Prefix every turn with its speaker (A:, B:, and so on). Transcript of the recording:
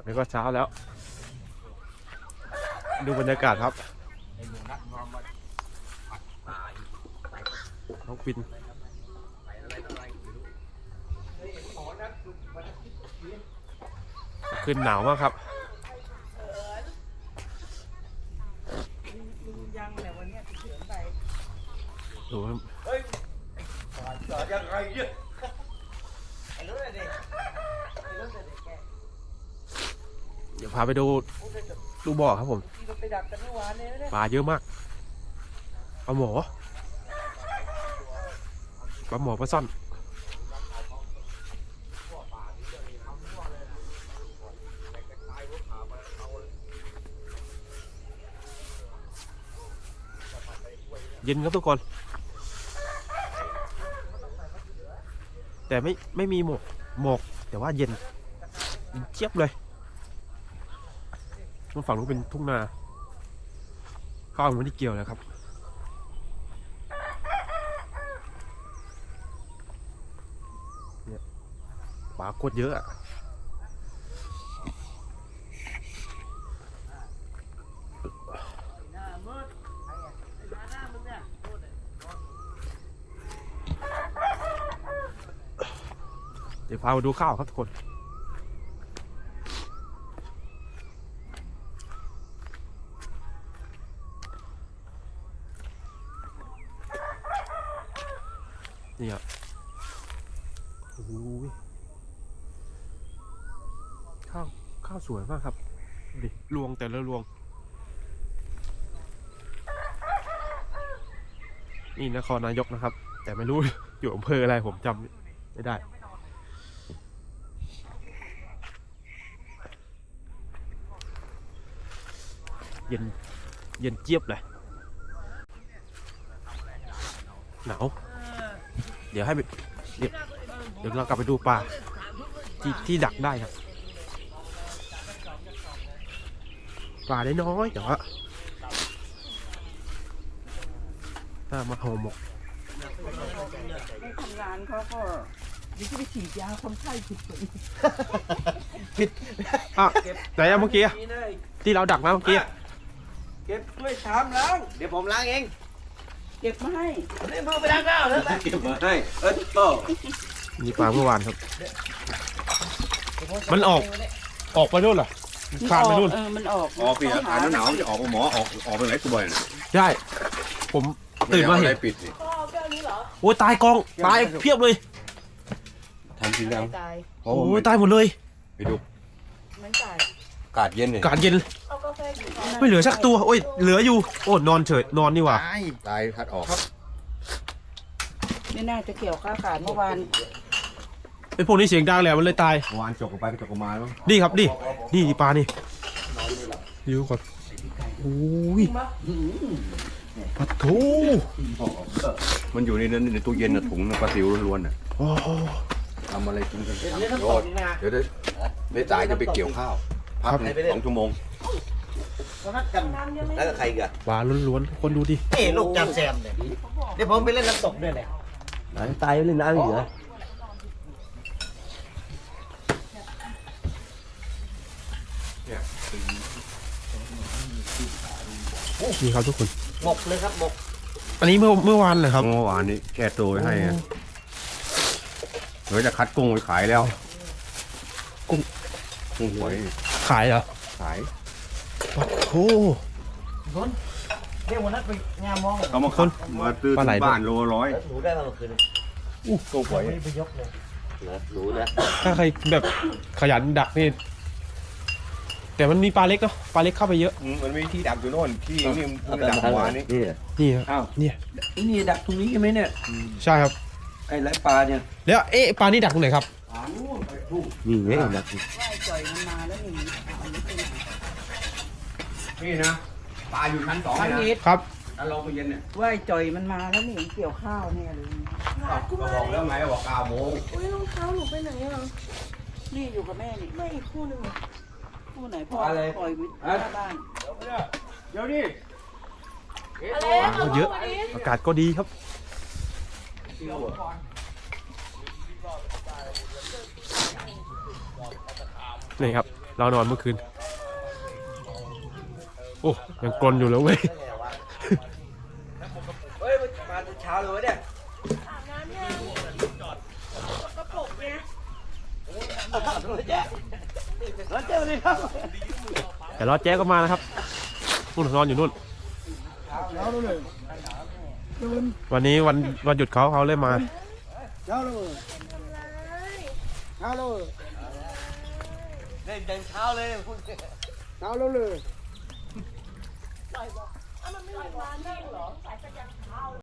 A: อันนี้ก็เช้าแล้วดูบรรยากาศครับน้องปินขึ้นหนาวมากครับดูครับเดี๋ยวพาไปดูบ่อครับผมปลาเยอะมากปลาหมอปลาซ่อนเย็นครับทุกคนแต่ไม่มีหมอกแต่ว่าเย็นเจี๊ยบเลยฝั่งนู้นเป็นทุ่งนาข้าวมันไม่ได้เกี่ยวเลยครับเนี่ยปลาโคตรเยอะเดี๋ยวพามาดูข้าวครับทุกคนนี่ครับโอ้ยข้าวสวยมากครับดิรวงแต่ละรวงนี่นครนายกนะครับแต่ไม่รู้ อยู่อำเภออะไรผมจำไม่ได้เย็นเจี๊ยบเลยหนาวเดี๋ยวเรากลับไปดูปลาที่ดักได้ครับปลาได้น้อยแต่ว่าถ้ามาห่อหมก
B: ทำงานเขาก็ดิฉันไปฉีดยาคนไข้
A: ผิดอ่ะไหนอะเมื่อกี้ที่เราดักมาเมื่อกี้
B: เก็บด้วยชามล้าง
C: เดี๋ยวผมล้างเอง
B: เก็บมาให้
C: นี่มือไปล้างข้าวแล้วเก็บมาให้โต
A: นี่ปลาเมื่อวานครับมันออกไปนู่นเหรอคานไปนู่น
B: มันออก
C: ปีอากาศหนาวจะออกหมอออกไปไหนกูบ่อยนะ
A: ใช่ผมตื่นมาเห็น
C: ปิด
A: โอ้ยตายกองตายเพียบเลย
C: ทำจริงแล้ว
A: โอ้ยตายหมดเลย
C: ไปดู
B: ไม่ตาย
C: อากาศเย็นเลย
A: อากาศเย็นไม่เหลือสักตัวโอ้ยเหลืออยู่โอ้นอนเฉยนอนนี่หว่า
C: ตายคัดออก
B: ไม่น่าจะเกี่ยวข้าวขาดเมื่อวาน
A: ไอ้พวกนี้เสียงดังแหละมันเลยตาย
C: เมื่อวานจกไปจกมาแล้ว
A: นี่ครับนี่ปลานี่ดูก่อนโอ้ยปลาทู
C: มันอยู่ในนั้นในตู้เย็นน่ะถุงปลาซิวล้วนๆน่ะทำอะไรกินกันเดี๋ยวได้จ่ายจะไปเกี่ยวข้าวพัก2 ชั่วโมงแล้วก็ใครกัน
A: ปลาล้วนๆคนดูดิ
D: นี่ลูกจำแซมเนี่ยเดี๋ยวผมไปเล่นน้ำตกด้วยเลย
C: ตายเล่นน้ำเหรอ
A: นี่ครับทุกคน
D: หมกเลยครับหมก
A: อันนี้เมื่อวานเหรอครับ
C: เมื่อวานนี้แก้ตัวให้เดี๋ยวจะคัดกุ้งไปขายแล้วกุ้งหวย
A: ขายเหรอ
C: ขาย
A: โอ้
D: เดี๋ยววันนั้นไปงานมอง
C: เอามาขึ้นมาตื้อบ้านโล100
D: หนูได้มาเมื่อคืน
C: กุ้งหวย
D: ไปยกเลยหนูนะ
A: ถ้าใครแบบขยันดักนี่แต่มันมีปลาเล็กเนาะปลาเล็กเข้าไปเยอะ
C: มันมีที่ดักอยู่โน่นที่นี่มันดักหัว
A: นี่ครับ
D: อ้าวนี่ดักตรงนี้ใช่ไหมเนี่ย
A: ใช่ครับ
D: ไอ้ไรปลาเนี่ย
A: แล้วปลานี่ดักตรงไหนครับ
C: นี่ไงดัก
B: ว่ายจ่อยมันมาแล้ว
C: นี่นะปลาอยู่ชั้น2นะครับแล้วลงไปเย็นเนี่ย
B: ว่ายจ่อยมันมาแล้วนี่เกี่ยวข้าวเนี่ยเลย
C: ก็บอกแล้วไงบอก9 โมง
E: อุ้ยรองเท้าหนูไปไหนอ่ะ
B: นี่อยู่กับแม่นี่
E: ไม่อีกคู่หนึ่ง
B: คู่ไหนพ่อปล่อยวิทย์หน้าบ้าน
C: เดี๋ยวดิ
A: เยอะอากาศก็ดีครับนี่ครับเรานอนเมื่อคืนโอ้ยังกลนอยู่เลยเว้ย
D: เฮ้ยมาแต่เช้าเลยวะเนี่ย
E: อาบน้ำยังกระปุกเนี่ย
D: แล้วเจอเลยครับ
A: แต่รอแจ๊ก็มานะครับนู่นนอนอยู่นู่นวันนี้วันหยุดเขาเลยมา
D: เดินเช้าเลยคุณ
E: อ้าวมันไม่มีร้านนั่งเหรอ